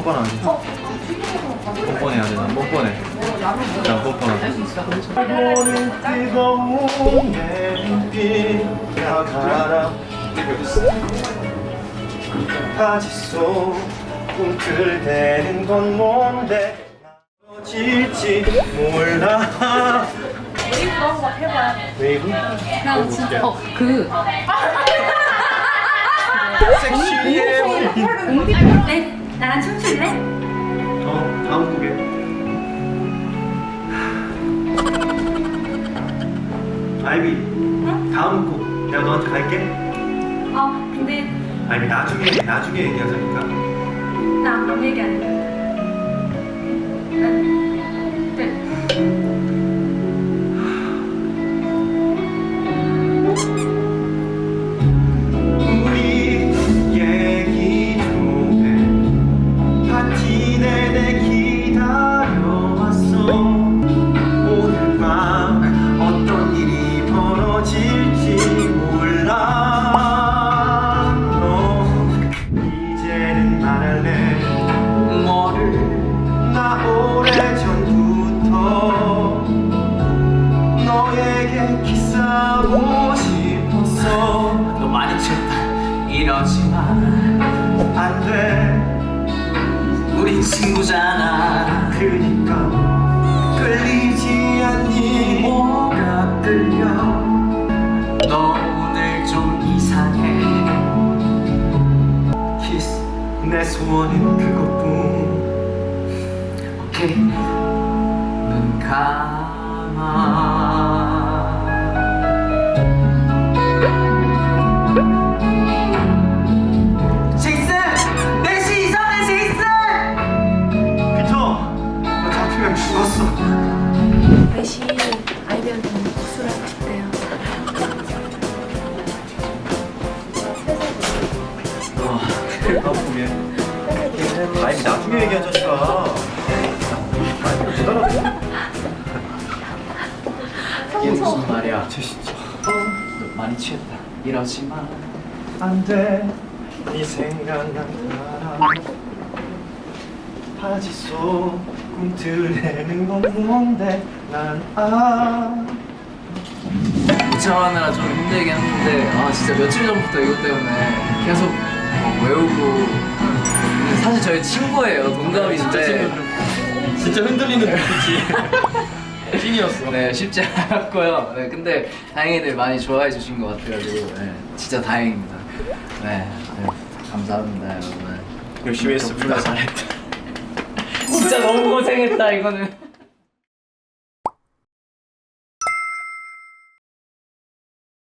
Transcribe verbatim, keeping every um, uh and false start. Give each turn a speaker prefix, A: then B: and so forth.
A: 뻔뻔하지. 뻔뻔해야 돼. 난 뻔뻔해. 난 뻔뻔하지. 보는 뜨거운 내 눈빛 나가라. 바지 속 꿈틀대는 건 뭔데 질지 몰라.
B: 웨이브 한번 해봐.
A: 웨이브?
B: 난 진짜 어 그
A: 섹시해.
B: 네 나랑 춤출래?
A: 어, 다음 곡에. 아이비,
B: 응?
A: 다음 곡 내가 너한테 갈게.
B: 어 근데
A: 아이비, 나중에 나중에 얘기하자니까.
B: 나 아무 얘기 안 해. 네.
A: 우리 얘기 좀 해. 파티 내내 기다려왔어. 오늘 밤 어떤 일이 벌어질지 몰라. 너 이제는 말할래. 뭐를? 나 오래전부터 너에게 키스하고 싶었어.
C: 너 많이 취했다. 이러지 마.
A: 안 돼.
C: 우린 친구잖아.
A: 그니까 끌리지 않니?
C: 뭐가 끌려? 너 오늘 좀 이상해.
A: 키스 내 소원은 그것뿐.
C: 오케이. 눈 감아. 제이슨! 내시 이상해 제이슨!
A: 피터, 너 잡히면 죽었어.
B: 매시 아이비한테 복수를 하고 싶대요.
A: 와, 나쁘게. 아니 나중에 얘기하자니까. 아니 기다려.
C: 이게 무슨 말이야?
A: 쟤 진짜.
C: 너 많이 취했다. 이러지 마.
A: 안 돼. 네 생각나더라. 바지 속 꿈틀대는 건 뭔데 난 아.
C: 촬영하느라 좀 힘들긴 했는데 아 진짜 며칠 전부터 이것 때문에 계속 막 외우고. 근데 사실 저희 친구예요. 동갑인데
A: 진짜 흔들리는 눈빛이 찐이었어.
C: 네 쉽지 않았고요. 네 근데 다행히들 많이 좋아해 주신 것 같아가지고 네, 진짜 다행입니다. 네 아유, 감사합니다 여러분.
A: 열심히 했습니다.
C: 덕분에 잘했다. 진짜 너무 고생했다 이거는.